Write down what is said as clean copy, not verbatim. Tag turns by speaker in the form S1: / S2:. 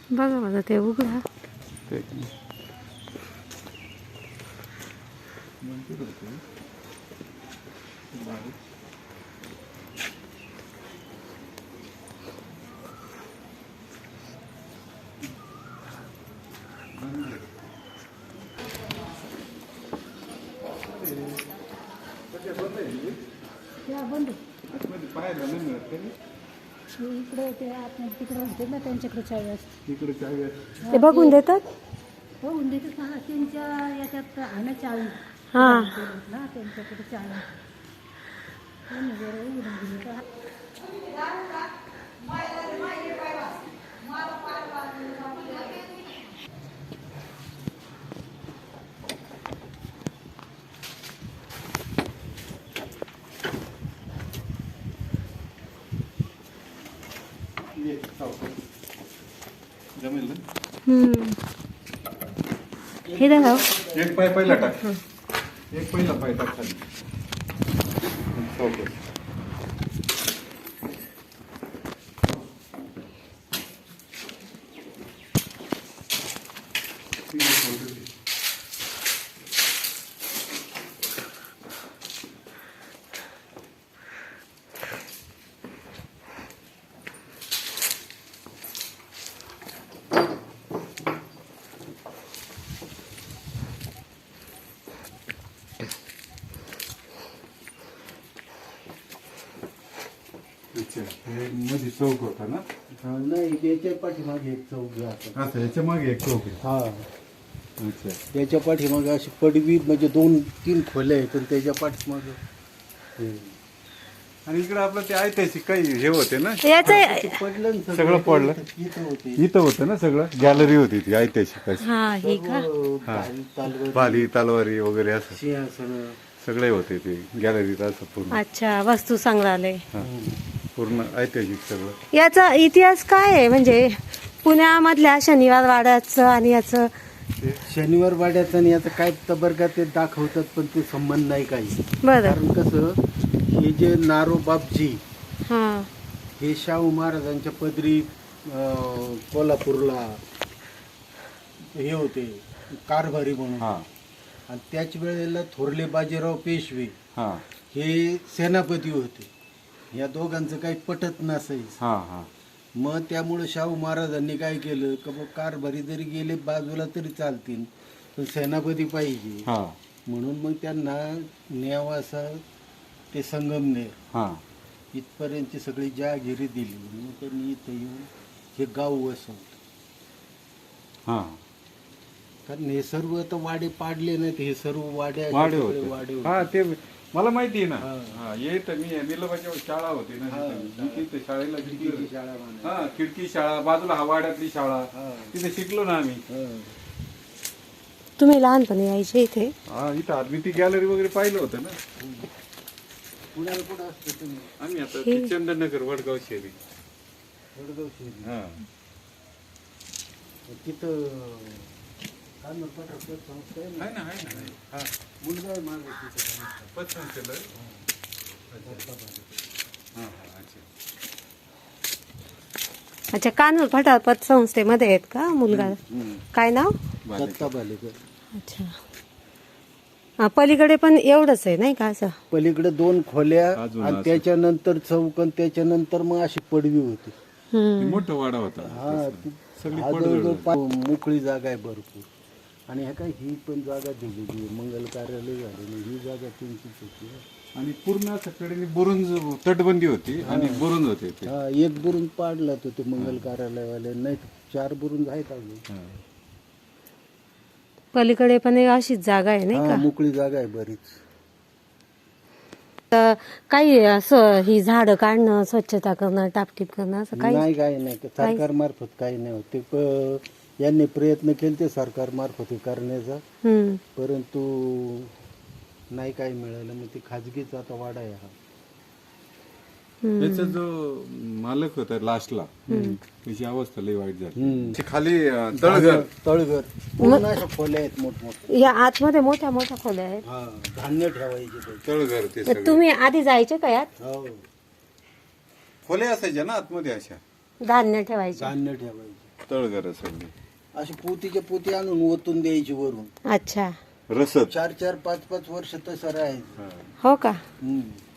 S1: बघा माझा ते उघडा.
S2: इकडे ते आपण तिकडे होते ना त्यांच्याकडे चावी असते.
S3: तिकडे चावी असते.
S1: ते बघून देतात.
S2: बघून देतात ना त्यांच्या याच्यात आहे ना चावी.
S1: हा
S2: ना त्यांच्याकडे चावी त्यांनी जरा उघडून दिली का.
S3: जमेल ना.
S1: हे दाखव.
S3: एक पाय पहिला टाक. एक पहिला पाय टाक खाली. चौकट. हे मध्ये चौक होता ना.
S4: नाही याच्या पाठीमागे एक चौक आहे.
S3: असं याच्या मागे एक चौक आहे.
S4: हा
S3: अच्छा.
S4: त्याच्या पाठीमागे अशी पडवी म्हणजे 2-3 खोल्या आहेत आणि त्याच्या पाठीमागे
S3: आणि इकडे आपलं ते ऐतिहासिक काही हे होते ना.
S1: याचं
S4: पडलं ना
S3: सगळं पडलं.
S4: इथं होते.
S3: इथं होतं ना सगळं. गॅलरी होती ती ऐतिहासिक अशी.
S1: हा ही का.
S3: भाली तलवारी वगैरे असं
S4: सिंहासन
S3: सगळे होते ते गॅलरीत असं पूर्ण.
S1: अच्छा वस्तू संग्रहालय.
S3: हा. पूर्ण ऐतिहासिक सगळं.
S1: याचा इतिहास काय आहे म्हणजे पुण्यामधल्या शनिवार वाड्याचं आणि याचं.
S4: शनिवार वाड्याचं आणि याचं काय तबरगा ते दाखवतात पण ते संबंध नाही काही.
S1: बरं.
S4: कारण कसं हे जे नारोबापजी
S1: हा
S4: हे शाहू महाराजांच्या पदरी कोल्हापूरला हे होते कारभारी म्हणून.
S3: हा
S4: आणि त्याच वेळेला थोरले बाजीराव पेशवे
S3: हा
S4: हे सेनापती होते. या दोघांचं काही पटत नसायचं.
S3: हा हा
S4: मग त्यामुळे शाहू महाराजांनी काय केलं की बा कारभारी जरी गेले बाजूला तरी चालतील पण सेनापती पाहिजे.
S3: हा
S4: म्हणून मग त्यांना नेवासा ते संगमनेर
S3: हा
S4: इथपर्यंतची सगळी जहागिरी दिली. मग त्यांनी इथं येऊन हे गाव वसवलं.
S3: हा
S4: कारण हे सर्व आता वाडे पाडले नाहीत. हे सर्व वाडे
S3: वाडे
S4: सगळे
S3: होते.
S4: वाडे होते.
S3: हा ते मला माहिती आहे ना.
S4: हा.
S3: हा येत मी निलबाची शाळा होती ना
S4: हा.
S3: तिथे. मी तिथे शाळेला
S4: खिडकीची
S3: शिकलो.
S4: शाळा बांधली.
S3: हा खिडकी शाळा बाजूला हवाड्यातली शाळा
S4: हा.
S3: तिथे शिकलो ना आम्ही.
S4: हा.
S1: तुम्ही लहानपणी यायचे इथे.
S3: हा इथं आम्ही ती गॅलरी वगैरे पाहिलं होतं ना.
S4: पुण्याला कुठं असतं तुम्ही?
S3: आम्ही आता ते चंदननगर वडगाव शेरी.
S4: वडगाव शहरी.
S3: हा
S4: तिथं काय म्हणतात आपलं संस्था आहे ना?
S3: आहे ना आहे ना आहे. हा
S4: मुलगा आहे माझा तिथं.
S3: पसंत केलं. हा हा अच्छा.
S1: अच्छा कानूर फाटा पतसंस्थेमध्ये आहेत का मुलगा. काय नाव.
S4: दत्ता बालेकर.
S1: अच्छा हा, पलीकडे पण एवढंच आहे नाही का असं.
S4: पलीकडे 2 खोल्या
S3: अजून
S4: आणि
S3: असं.
S4: त्याच्यानंतर चौकन त्याच्यानंतर मग अशी पडवी होती.
S1: हम्म.
S3: मोठा वाडा होता.
S4: हा
S3: सगळी
S4: हा जवळजवळ मोकळी जागा आहे भरपूर. आणि ह्या काय ही पण जागा दिलेली आहे. मंगल कार्यालय झालेली ही जागा त्यांचीच होती.
S3: आणि पूर्ण सगळ्यांनी बुरुंज तटबंदी होती आणि बुरुंज होते ते.
S4: हा एक बुरुंज पाडला तो ते मंगल कार्यालयवाले. नाही 4 बुरुंज आहेत अजून.
S3: हा.
S1: पलीकडे पण एक अशीच जागा आहे नाही
S4: हा
S1: का.
S4: मोकळी जागा आहे बरीच.
S1: तर काही असं ही झाडं काढणं स्वच्छता करणं टापटीप करणं असं काही.
S4: नाही काही नाही सरकार मार्फत काही नाही होते. यांनी प्रयत्न केले ते सरकार मार्फत हे करण्याचा
S1: हम्म.
S4: परंतु नाही काही मिळालं. मग ते खाजगीच आता वाडा आहे हा.
S3: त्याचा जो मालक होता लास्टला त्याची अवस्था लई वाईट झाली. ते खाली तळघर
S4: तळघर पूर्ण अशा खोल्या आहेत मोठमोठ्या.
S1: या आतमध्ये मोठ्या मोठ्या खोल्या आहेत.
S4: हा धान्य ठेवायचे ते.
S3: तळघर ते
S1: तर
S3: सगळे
S1: तुम्ही आधी जायचे का यात.
S4: हो
S3: खोले असायच्या ना आतमध्ये अशा.
S1: धान्य ठेवायचे.
S4: धान्य ठेवायचे.
S3: तळघर सगळी
S4: अशी पोतीच्या पोती आणून ओतून द्यायची वरून.
S1: अच्छा.
S3: रसद
S4: 4-4, 5-5 वर्ष तसं राहायचं.
S1: हो का?
S4: हम्म.